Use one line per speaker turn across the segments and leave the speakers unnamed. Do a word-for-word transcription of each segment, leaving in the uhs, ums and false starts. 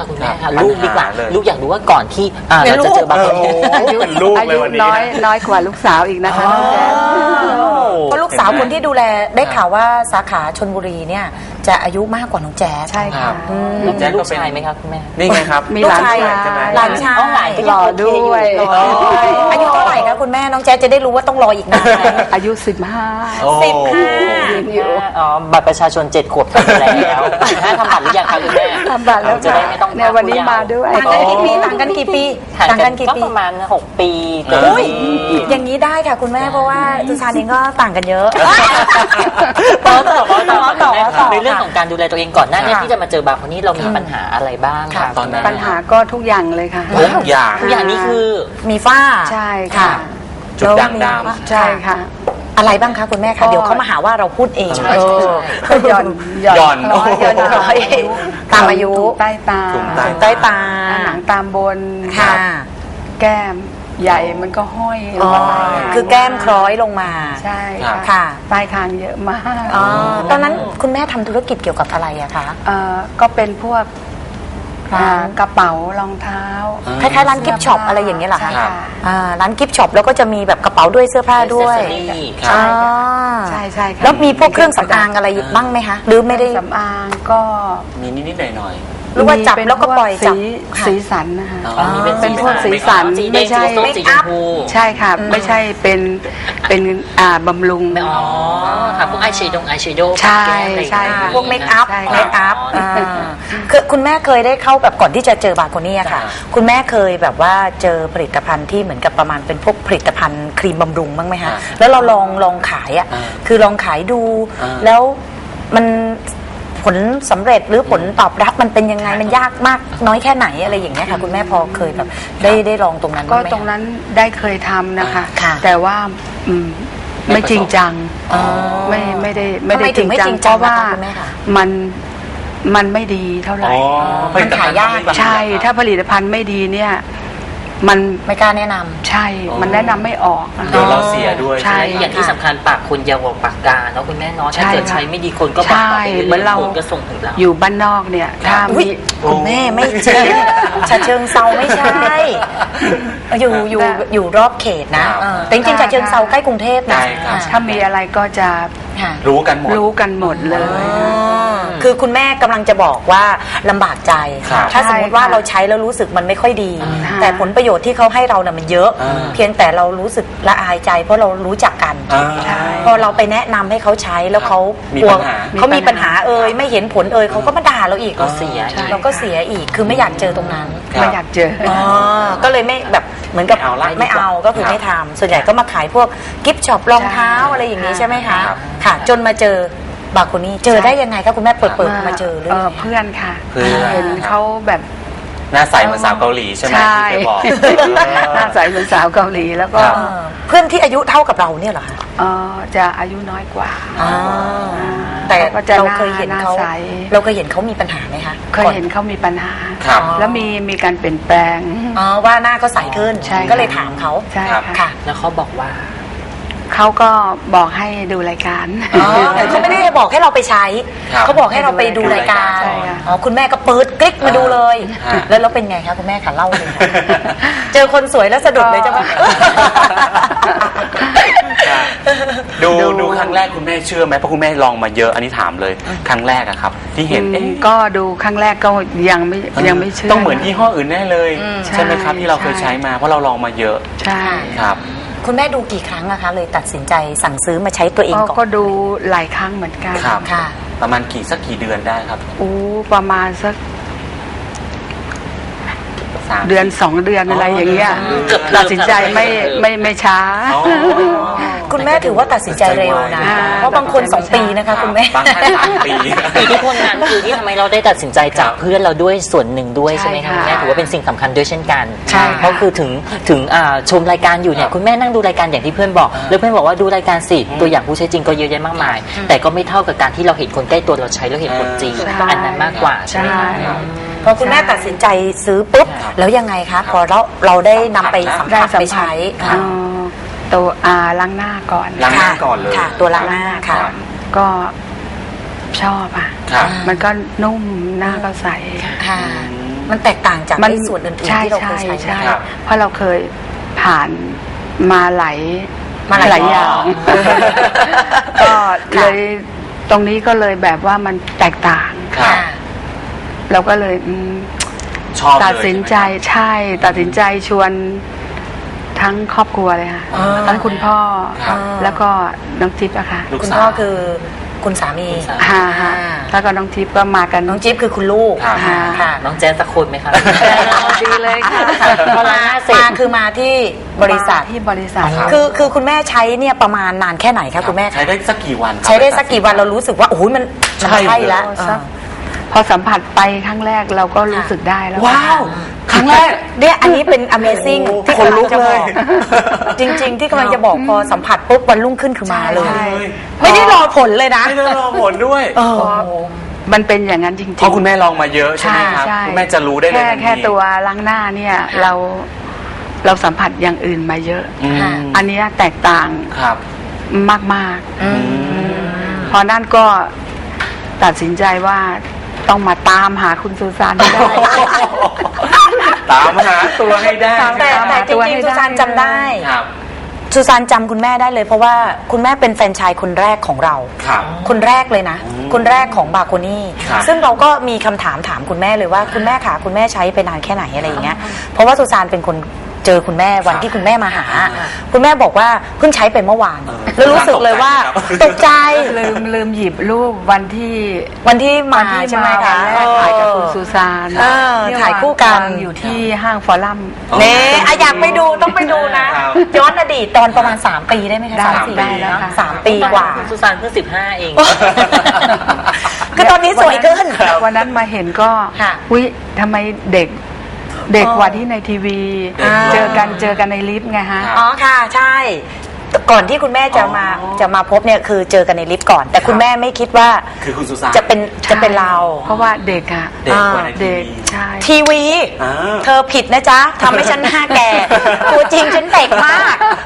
อะคุณแม่ค่ะลูกดีกว่าลูกอยากรู้ว่าก่อนที่เราจะเจอบางคน
อายุน้อยน้อยกว่าลูกสาวอีกนะคะน้องแจ๊ค
เพราะลูกสาวคนที่ดูแลได้ข่าวว่าสาขาชลบุรีเนี่ยจะอายุมากกว่าน้องแจ๊ส
ใช่ค่ะ
น้องแจ๊สลูกชายไหมครับคุณแม่
นี่ไงครับ
มีหลานชาย
หลานชาย
หล่อด้วย
อายุเท่าไหร่คะคุณแม่น้องแจ๊สจะได้รู้ว่าต้องรออีกนาน
อายุสิบห้า
สิบห้า
อ๋อบัตรประชาชนเจ็ดขวบทำแล้วห้าทำบัตรหรือยังคะคุณแม่
ทำบัตรแล้ว
จะได้ไม่ต้อง
ในวันนี้มาด้วย
ต่างกันกี่ปีต่างกันกี่ปี
ต่างกันกี่ปีก็ประมาณหกปี
อย่างนี้ได้ค่ะคุณแม่เพราะว่าสุชาเองก็ต่างกันเยอะ
ต่อต่อต่อต่อต่อในเรื่องของการดูแลตัวเองก่อนหน้านี้ที่จะมาเจอบางคนนี้เรามีปัญหาอะไรบ้างคะ
ตอนนั้น
ปัญหาก็ทุกอย่างเลยค่ะ
ทุกอย่าง
ทุกอย่างนี้คือ
มีฝ้า
ใช่ค่ะ
จุดด่างดำ
ใช่ค่ะ
อะไรบ้างคะคุณแม่คะเดี๋ยวเขามาหาว่าเราพูดเอง
หย่อน
หย่อน
หย่อนร้อยตามอายุ
ใต้ตา
ใต้ตา
หนังตามบน
ค่ะ
แก้มใหญ่มันก็ห้อย
คือแก้มคล้อยลงมา
ใช่
ค่ะ
ปลายคางเยอะมาก
ตอนนั้นคุณแม่ทำธุรกิจเกี่ยวกับอะไรอะคะ
ก็เป็นพวกกระเป๋ารองเท้า
คล้ายๆร้านกิฟต์ช็อปอะไรอย่างเงี้ยเหรอคะร้านกิฟต์ช็อปแล้วก็จะมีแบบกระเป๋าด้วยเสื้อผ้าด้วย
ใช่ใช่ใช่
แล้วมีพวกเครื่องสำอางอะไรบ้างไหมคะหรือไม่ได้
สำอางก็
มีนิดๆหน่อย
หรือว่าจับแล้วก็ปล่อยจับ
สีสันนะคะ
เป็น
พวกสีสันไม่ใช่
เมคอัพ
ใช่ค่ะไม่ใช่เป็นเป็นอ่าบำรุง
อ๋อค่ะพวกอายแชโดว์อายแชโดว์
ใช่ใช่
พวกเมคอัพเมคอัพคือคุณแม่เคยได้เข้าแบบก่อนที่จะเจอบาโคนี่ค่ะคุณแม่เคยแบบว่าเจอผลิตภัณฑ์ที่เหมือนกับประมาณเป็นพวกผลิตภัณฑ์ครีมบำรุงบ้างไหมคะแล้วเราลองลองขายอ่ะคือลองขายดูแล้วมันผลสำเร็จหรือผลตอบรับมันเป็นยังไงมันยากมากน้อยแค่ไหนอะไรอย่างเงี้ยค่ะคุณแม่พอเคยแบบได้ได้ลองตรงนั้น
ก็ตรงนั้นได้เคยทำนะคะแต่ว่าไม่จริงจังไม่ไม่ได้ไม่ได้จริงจังเพราะว่ามันมันไม่ดีเท่าไหร่
มันขายยาก
ใช่ถ้าผลิตภัณฑ์ไม่ดีเนี่ยมัน
ไม่กล้าแนะนำ
ใช่มันแนะนำไม่ออก
เดี๋ยวเราเสียด้วย
ใช่
อย่างที่สำคัญปากคนยาวกว่าปากกาเนาะคุณแม่เนาะถ้าเกิดใช้ไม่ดีคนก็บอกต่อไปเหมือนเราก็ส่งถึงเรา
อยู่บ้านนอกเนี่ยถ้ามี
คุณแม่ไม่ใช่ฉะเชิงเซาไม่ใช่อยู่อยู่อยู่รอบเขตนะแต่จริงๆฉะเชิงเซาใกล้กรุงเทพนะ
ถ้ามีอะไรก็จะ
รู้กันหมด
รู้กันหมดเลย
คือคุณแม่กำลังจะบอกว่าลำบากใจถ้าสมมติว่าเราใช้แล้วรู้สึกมันไม่ค่อยดีแต่ผลประโยชน์ที่เขาให้เราเนี่ยมันเยอะเพียงแต่เรารู้สึกละอายใจเพราะเรารู้จักกันพอเราไปแนะนำให้เขาใช้แล้วเขากลัวเขามีปัญหาเอ่ยไม่เห็นผลเอ่ยเขาก็มาด่าเราอีก
เราเสีย
เราก็เสียอีกคือไม่อยากเจอตรงนั้น
ไม่อยากเจอ
ก็เลยไม่แบบเหมือนกับไม่เอาก็คือไม่ทำส่วนใหญ่ก็มาขายพวกกิฟต์ช็อปรองเท้าอะไรอย่างนี้ใช่ไหมคะค่ะจนมาเจอบาโคนี่เจอได้ยังไงคะคุณแม่เปิดเปิดมาเจอเรื่อง
เพื่อนค่ะเห็นเขาแบบ
หน้าใสเหมือนสาวเกาหลีใช่ไหมที่เคยบอก
หน้าใสเหมือนสาวเกาหลีแล้วก็
เพื่อนที่อายุเท่ากับเราเนี่ยเหรอคะ
จะอายุน้อยกว่า
แต่เราเคยเห็นเขาเราเคยเห็นเขามีปัญหาไหมคะ
เคยเห็นเขามีปัญหาแล้วมีมีการเปลี่ยนแปลง
อ๋อว่าหน้าก็ใสขึ้นก็เลยถามเขา
ใช่
ค่ะ
แล้วเขาบอกว่า
เขาก็บอกให้ดูรายการ
แต่เขาไม่ได้บอกให้เราไปใช้เขาบอกให้เราไปดูรายการอ๋อคุณแม่ก็เปิดคลิกมาดูเลยแล้วแล้วเป็นไงคะคุณแม่คะเล่าเลยเจอคนสวยแล้วสะดุดเลยจ้ะมั้ย
ดูดูครั้งแรกคุณแม่เชื่อไหมเพราะคุณแม่ลองมาเยอะอันนี้ถามเลยครั้งแรกอะครับที่เห็น
ก็ดูครั้งแรกก็ยังไม่ยังไม่เชื่อ
ต้องเหมือนยี่ห้ออื่นแน่เลยใช่ไหมครับที่เราเคยใช้มาเพราะเราลองมาเยอะ
ใช่
ครับ
คุณแม่ดูกี่ครั้งอะคะเลยตัดสินใจสั่งซื้อมาใช้ตัวเองก่อน
ก็ดูหลายครั้งเหมือนกัน
ค่ะ
ประมาณกี่สักกี่เดือนได้ครับ
โอ้ประมาณสักเดือนสองเดือนอะไรอย่างเงี้ยตัดสินใจไม่ไม่ไม่ช้า
คุณแม่ถือว่าตัดสินใจเร็วนะเพราะบางคนสองปีนะคะคุณแม่
บางท่านสามปี
อิทธิพลนั้นคือที่ทำไมเราได้ตัดสินใจจากเพื่อนเราด้วยส่วนหนึ่งด้วยใช่ไหมคะแม่ถือว่าเป็นสิ่งสำคัญด้วยเช่นกันเพราะคือถึงถึงชมรายการอยู่เนี่ยคุณแม่นั่งดูรายการอย่างที่เพื่อนบอกแล้วเพื่อนบอกว่าดูรายการสิตัวอย่างผู้ใช้จริงก็เยอะแยะมากมายแต่ก็ไม่เท่ากับการที่เราเห็นคนใกล้ตัวเราใช้แล้วเห็นผลจริงอันนั้นมากกว่าใช่ไหมคะ
พอคุณแม่ตัดสินใจซื้อปุ๊บแล้วยังไงคะพอเราเราได้นำไปสัมผัสไปใช้
ตัวอาล้างหน้าก่อน
ล้างหน้าก่อนเลย
ค่ะตัวล้างหน้าค่ะ
ก็ชอบอ่ะมันก็นุ่มหน้าก็ใส
ค่ะมันแตกต่างจาก
มัน
ไอ้ส่วนอื่นๆ
ใช่
ที่เราเค
ใช่
ยใช้
ใช่
ครับ
เพราะเราเคยผ่านมาหลาย
มาหลาย
อย่าง
อ๋อ
ก็เลยตรงนี้ก็เลยแบบว่ามันแตกต่าง
ครับ
เราก็เลยอืม
ชอบเลย
ตัดสินใจ
ช่ไหม
ใช่ ตัดสินใจชวนทั้งครอบครัวเลยค่ะ
อ่า
ทั้งคุณพ่อ
ครับ
แล้วก็น้องจิ๊บอะค่ะ
ลูก
คุณ
สาว
พ่อคือคุณสามี
คุณสามี
ฮ่าฮ่าแล้วก็น้องจิ๊บก็มากัน
น้องจิ๊บคือคุณลูก
ครับ
อ่าค่ะ
น้องแจ๊สสักคนไหมคะ
ดีเลยค่ะ
พอล้างหน้าเสร็จ
มาคือมาที่บริษัท
มาที่บริษัท
ครับ
คือคือคุณแม่ใช้เนี่ยประมาณนานแค่ไหนคะคุณแม่
ใช้ได้สักกี่วันครับ
ใช้ได้สักกี่วันเรารู้สึกว่าโอ้โหมันมัน
ใช่
ใช่แล้ว
โอ้สัก พอสัมผัสไปครั้งแรกเราก็รู้สึกได้แล้ว
ว้าวครั้งแรกเนี่ยอันนี้เป็น Amazing
โอ้โห
ที่กำลัง
ขนลุก
จะ
เล
บอย กจริง ๆ ที่กำลังจะบอกพอสัมผัสปุ๊บวันรุ่งขึ้นคือมาเลย
ใช่
ไม่ได้รอผลเลยนะ
ไม่ต้องรอผลด้วย
เออ
มันเป็นอย่างนั้นจริงๆ
เพราะคุณแม่ลองมาเยอะใช่ไหมครับ
ใช่
คุณแม่จะรู้ได้เลย
แค่
ทันที
แค่ตัวล้างหน้าเนี่ยเราเราสัมผัสอย่างอื่นมาเยอะ
อืม
ค่ะ
อันเนี้ยแตกต่าง
ครับ
มาก
อืม
ๆ พอนั่นก็ตัดสินใจว่าต้องมาตามหาคุณซูซานให้ได้
ตามหาตัวให้ได้
แต่
ตาม
แต่
หา
จ
ตัว
ริง
ให้
ๆสุซาน
ได้
จำได้
ครับ
สุซานจำคุณแม่ได้เลยเพราะว่าคุณแม่เป็นแฟรนไชส์คนแรกของเรา
ครับ
คนแรกเลยนะ
อืม
คนแรกของบาโคนี่
ครับ
ซึ่งเราก็มีคำถามถามคุณแม่เลยว่าคุณแม่ขาคุณแม่ใช้ไปนานแค่ไหนอะไรอย่างเงี้ยเพราะว่าสุซานเป็นคนเจอคุณแม่วันที่คุณแม่มาหา คุณแม่บอกว่าเพิ่งใช้ไปเมื่อวาน
เออ
แล้วรู้สึกเลยว่าตกใจ
ลืมลืมหยิบรูปวันที่
วันที่มา
วันที่
ใช่ไหม
มาวั
คะ
นแรกถ่ายกับคุณซูซาน
เออ
เนี่
ถ่ายคู่กัน
วางอยู่ที่ห้างฟอรัม
เน่อะอยากไปดูต้องไปดูนะครับ ย้อนอดีตตอนประมาณ สาม ปีได้ไหมคะ
ได้
สามสี่
ได้แล้ว
เนอะ
ค่ะ
สามปีกว่า
คุณสุสานเพิ่งสิบห้าเอง
คือตอนนี้สวยขึ้น
วันนั้นมาเห็นก็
ค่ะ
อุ้ยทำไมเด็กเด็ก
อ๋อ
กว่าที่ในทีวี
อ่า
เจอกันเจอกันในลิฟต์ไงฮะ
ครับ
อ๋อค่ะใช่ ก่อนที่คุณแม่จะมา
อ๋อ
จะมาพบเนี่ยคือเจอกันในลิฟต์ก่อน แต่คุณแม่ไม่คิดว่า
คือคุณสุสาน
จะเป็นจะเป็นเรา
เพราะว่าเด็กอะ
เด็กกว่าในที
เด็ก
วี
ใช่
ทีวี
อ่า
เธอผิดนะจ๊ะทำให้ฉันหน้าแก่ ตัวจริงฉันเด็กมาก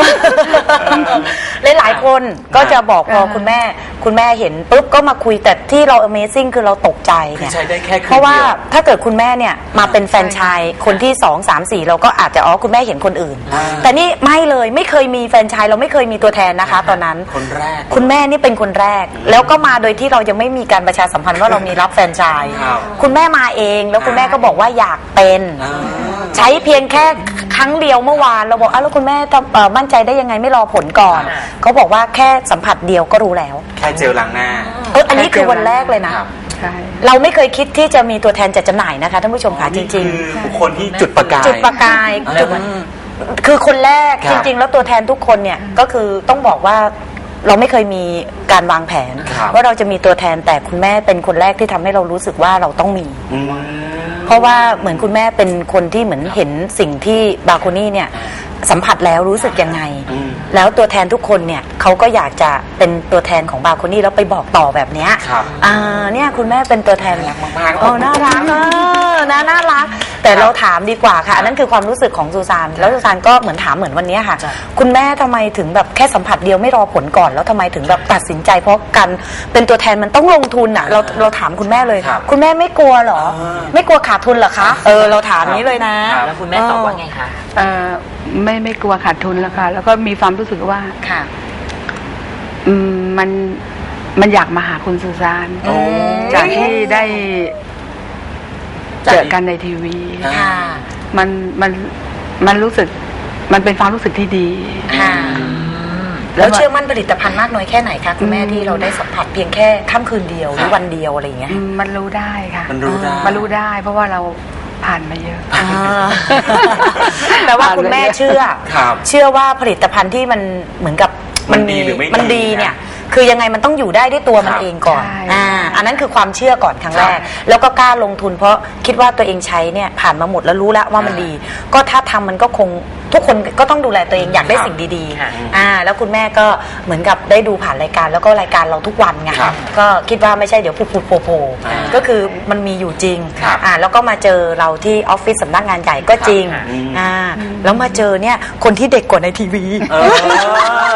หลายๆคนก็จะบอกพอคุณแม่ คุณแม่เห็นปุ๊บก็มาคุยแต่ที่เรา Amazing คือเราตกใจ
คือ
เนี่ย
ใช้ได้แค่คืน
เพราะว่า
เดียว
ถ้าเกิดคุณแม่เนี่ยมาเป็นแฟรนไชส์คนที่สองสามสี่เราก็อาจจะอ๋อคุณแม่เห็นคนอื่น
อ่า
แต่นี่ไม่เลยไม่เคยมีแฟรนไชส์เราไม่เคยมีตัวแทนนะคะ ตอนนั้น
คนแรก
คุณแม่นี่เป็นคนแรก แล้วก็มาโดยที่เรายังไม่มีการประชาสัมพันธ์ว่าเรามีรับแฟรนไชส์
ครับ
คุณแม่มาเองแล้วคุณแม่ก็บอกว่าอยากเป็น
อ่า
ใช้เพียงแค่ครั้งเดียวเมื่อวานเราบอกอ้าวแล้วคุณแม่จะเอ่อมั่นใจได้ยังไงไม่รอผลก่อน
อ่า
เขาบอกว่าแค่สัมผัสเดียวก็รู้แล้ว
แค่เจลล้างหน้า
เอออันนี้คือวันแรกเลยนะ
ครับ
ใช่
เราไม่เคยคิดที่จะมีตัวแทนจัดจำหน่ายนะคะท่านผู้ชมค่ะจ
นี่
ริง
คือบุคคลที่จุดประกาย
ๆ จุดประกาย
อ่า
จุดคือคนแรก
ครั
จ
บ
ริง ๆ แล้วตัวแทนทุกคนเนี่ยก็คือต้องบอกว่าเราไม่เคยมีการวางแผน
ครับ
ว่าเราจะมีตัวแทนแต่คุณแม่เป็นคนแรกที่ทำให้เรารู้สึกว่าเราต้องมี
อืม
เพราะว่าเหมือนคุณแม่เป็นคนที่เหมือนเห็นสิ่งที่บาโคนี่เนี่ยสัมผัสแล้วรู้สึกยังไง
อืม
แล้วตัวแทนทุกคนเนี่ยเขาก็อยากจะเป็นตัวแทนของบาโคนี่แล้วไปบอกต่อแบบเนี้ย
ครับ
อ่าเนี่ยคุณแม่เป็นตัวแทน
น่ารักมากๆ
โอ้น่ารักเออน่าน่ารัก แต่เราถามดีกว่าค่ะอันนั้นคือความรู้สึกของซูซานแล้วซูซานก็เหมือนถามเหมือนวันนี้ค่ะ
จ้ะ
คุณแม่ทำไมถึงแบบแค่สัมผัสเดียวไม่รอผลก่อนแล้วทำไมถึงแบบตัดสินใจ เพราะการเป็นตัวแทนมันต้องลงทุนอ่ะเราเราถามคุณแม่เลย
ครับ
คุณแม่ไม่กลัวเหรอ
อ่า
ไม่กลัวขาดทุนเหรอคะ เออ เราถามนี้เลยนะ
ครับ
แล้วคุณแม่ตอบว่าไงคะ
เอ่อไม่ไม่กลัวขาดทุนแล้วค่ะ แล้วก็มีความรู้สึกว่า
ค่ะ
อืมมันมันอยากมาหาคุณซูซาน
โอ้
จากที่ได้เจอกันในทีวี
ค่ะ
มันมันมันรู้สึกมันเป็นความรู้สึกที่ดี
ค่ะ แล้วเชื่อมั่นผลิตภัณฑ์มากน้อยแค่ไหนคะคุณแม่ที่เราได้สัมผัสเพียงแค่ค่ำคืนเดียวหรือวันเดียวอะไรอย่างเงี้ย
อืมมันรู้ได้ค่ะ
มันรู้ได้
มันรู้ได้ เพราะว่าเราผ่านมาเยอะ
อ่าแต่ว่าคุณแม่เชื่อ
ครับ
เชื่อว่าผลิตภัณฑ์ที่มันเหมือนกับ
มันดีหรือไม่ดี
มันดีเนี่ย คือยังไงมันต้องอยู่ได้ด้วยตัวมัน
ครับ
เองก่อน
ใช่
อ่าอันนั้นคือความเชื่อก่อนครั้งแรก
ใช่
แล้วก็กล้าลงทุนเพราะคิดว่าตัวเองใช้เนี่ยผ่านมาหมดแล้วรู้แล้วว่ามันดี ก็ถ้าทำมันก็คงทุกคนก็ต้องดูแลตัวเองอยากได้
ครับ
สิ่งดี
ค่ะ
ๆอ่าแล้วคุณแม่ก็เหมือนกับได้ดูผ่านรายการแล้วก็รายการเราทุกวันไง
ครับ
ก็คิดว่าไม่ใช่เดี๋ยวพูดพูดโผล่โผล่
อ่า
ก็คือมันมีอยู่จริง
ครับ
อ่าแล้วก็มาเจอเราที่ออฟฟิศสำนักงานใหญ่ก็จริง
ครับอืม
อ่าแล้วมาเจอเนี่ยคนที่เด็กกว่าในทีวี
เออ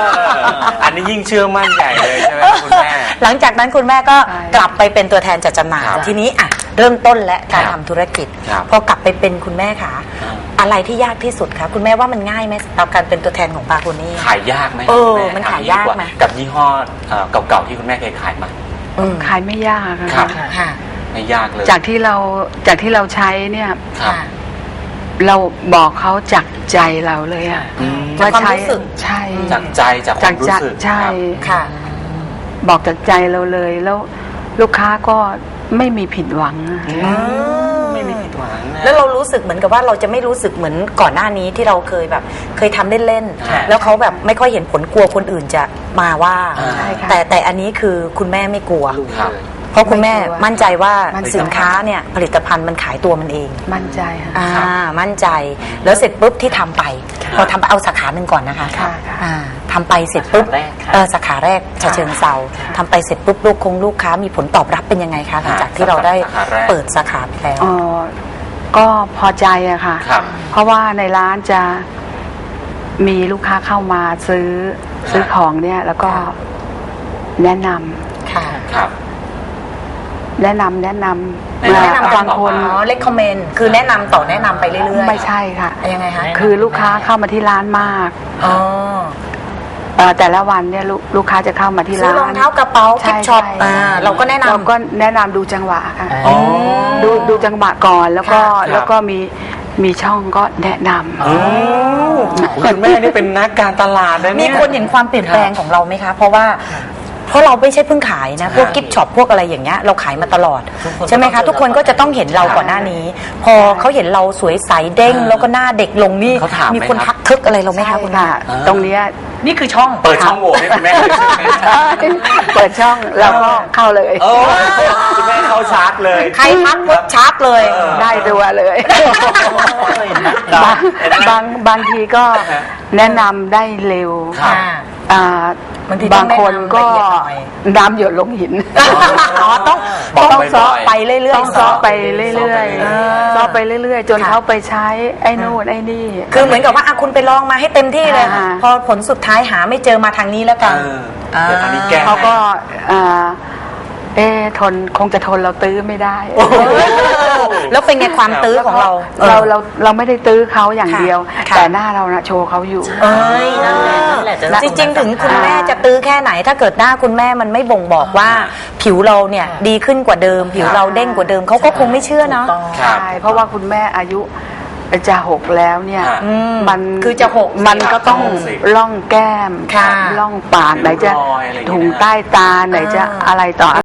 อันนี้ยิ่งเชื่อมั่นใหญ่เลยใช่ไหมคุณแม่
หลังจากนั้นคุณแม่ก็
ใช่
กลับไปเป็นตัวแทนจัดจำหน่าย
ครับ
ทีนี้อ่ะเริ่มต้นและการ
ครั
ทำ
บ
ธุรกิจ
ครับ
พอกลับไปเป็นคุณแม่ค่ะ อะไรที่ยากที่สุดคะคุณแม่ว่ามันง่ายไหมสำหรับการเป็นตัวแทนของบาโคนี่
ขายยากไหม
เออ
คุณแ
มันขายยากไหม
กับยี่ห้อเอ่อเก่าๆที่คุณแม่เคยขายมา
อืม
ขายไม่ยากอะ
ครับ
ค่ะ
ค่ะ
ไม่ยากเลย
จากที่เราจากที่เราใช้เนี่ย
ครับ
เราบอกเขาจากใจเราเลยอะ
อืม
ว่า
จากความ
ใช้
รู้สึก
ใช่
จากใจจากความรู้สึก
ใช่
ครับ
ค่ะ
บอกจากใจเราเลย แล้วลูกค้าก็ไม่มีผิดหวังอะ
ไม่มีผิดหวังนะ
แล้วเรารู้สึกเหมือนกับว่าเราจะไม่รู้สึกเหมือนก่อนหน้านี้ที่เราเคยแบบ เคยทำเล่น
ใช่
ๆแล้วเขาแบบไม่ค่อยเห็นผลกลัวคนอื่นจะมาว่า
อ่า
ใช่ค่ะ
แต่แต่อันนี้คือคุณแม่ไม่กลัว
ครับ
เพราะคุณแม่
ไม่กลัว
มั่นใจว่า
มั่นใจ
สินค้าเนี่ยผลิตภัณฑ์มันขายตัวมันเอง
มั่นใจค่ะ
อ่ามั่นใจแล้วเสร็จปุ๊บที่ทำไป พอทำไปเอาสาขาหนึ่งก่อนนะคะ
ค่ะค่ะ
อ่าทำไปเสร็จปุ๊บ
สาขาแรกค่ะ
เออสาขาแรกฉะเชิงเซาทำไปเสร็จปุ๊บลูกคงลูกค้ามีผลตอบรับเป็นยังไงคะหลังจากที่เราได้
สาขาแรก
เปิดสาขาไปแล้ว
เออก็พอใจอะค่ะ
ครับ
เพราะว่าในร้านจะมีลูกค้าเข้ามาซื้อซื้อของเนี่ย แล้วก็
ค่ะ
แนะนำ
ค่ะ
ครับ
แนะนำแนะนำ
แนะนำ
มาบางคน
อ๋อ recommend คือแนะนำต่อแนะนำไปเรื่อยๆ
ไม่ใช่ค่ะ
ยังไงคะ
คือลูกค้าเข้ามาที่ร้านมาก
อ๋อ
เอ่อแต่ละวันเนี่ยลูกลูกค้าจะเข้ามาที่
ซื้อ
ร้าน
รองเท้ากระเป๋า
ใช่
กิฟช็อป
ใช่
อ่าเราก็แนะนำ
เราก็แนะนำดูจังหวะค่ะ
อ๋อ
ดูดูจังหวะก่อนแล้วก็
ครับ
แล้วก็มีมีช่องก็แนะนำ
โอ้คุณแม่นี่เป็นนักการตลาดนะ
มี
เนี่ย
คนเห็นความเปลี่ยนแปลงของเราไหมคะ เพราะว่าเพราะเราไม่ใช่เพิ่งขายนะ พวก
ครับ
กิฟต์ช็อปพวกอะไรอย่างเงี้ยเราขายมาตลอด
ทุกคน
ใช่ไหมคะ
ก็ต้อง
ทุกคนก็จะต้องเห็นเราก่อนหน้านี้ พอเขาเห็นเราสวยใสเด้ง
อ่า
แล้วก็หน้าเด็กลงนี่
เขาถามไหม
มีคน
ครับ
ทักทึกอะไรเราไหม
ใช่
คะคุณ
ค่ะ
แม่
ตรงเนี้ย
นี่คือช่อง
เปิดช่องโหว่ให้คุณแม่เลยใช่ไหม
เปิดช่องเราก็เข้าเลย
โอ้คุณแม่เข้าชาร์จเลย
ใครทักปุ๊บชาร์จเลย
เออ
ได้ตัวเลย
ครับ
บางบางบางทีก็แนะนำได้เร็ว
ครับ
อ่า
บางทีต้
บา
อง
งคนก็
แนะนำละเอียดหน่อย
น้ำหยดลงหิน
อ๋อต้อง
บอก
ต้อง
บ่อยๆ
ซ้อไปเรื่อยๆ
ต้องซ้อไปเรื่อย
อ่า
ๆซ้อไปเรื่อยๆ จน
ค่ะ
เขาไปใช้ไอ้นู่นไอ้นี่
คือเหมือนกับว่าอ่ะคุณไปลองมาให้เต็มที่เลย
อ่า
พอผลสุดท้ายหาไม่เจอมาทางนี้แล้วกัน
เออเดี๋ยวทางนี้แก้
เขาก็อ่าเอ๊ะทนคงจะทนเราตื้อไม่ได้
แล้วเป็นไงความตื้อของเรา
เราเราเราไม่ได้ตื้อเขาอย่าง
ค่ะ
เดียว
ค่ะ
แต่หน้าเรานะโชว์เขาอยู่
เอ้ย
นั่นแหละนั่นแหละจะ
จริงๆ ถึงคุณแม่จะตื้อแค่ไหน ถ้าเกิดหน้าคุณแม่มันไม่บ่งบอกว่า ผิวเราเนี่ยดีขึ้นกว่าเดิม ผิวเราเด้งกว่าเดิมเขาก็คงไม่เชื่อเนาะ
ครับ
ใช่เพราะว่าคุณแม่อายุจะหกแล้วเนี่ย
ค่ะ
อืม
มัน
คือจะหก
มันก็ต้อง
หกสิบ
ล่องแก้ม
ค่ะ
ล่องปากไหนจะ
ริ้วรอยอะไรอย่างเงี้ย
ถุงใต้ตาไหนจะ
อ่า
อะไรต่อ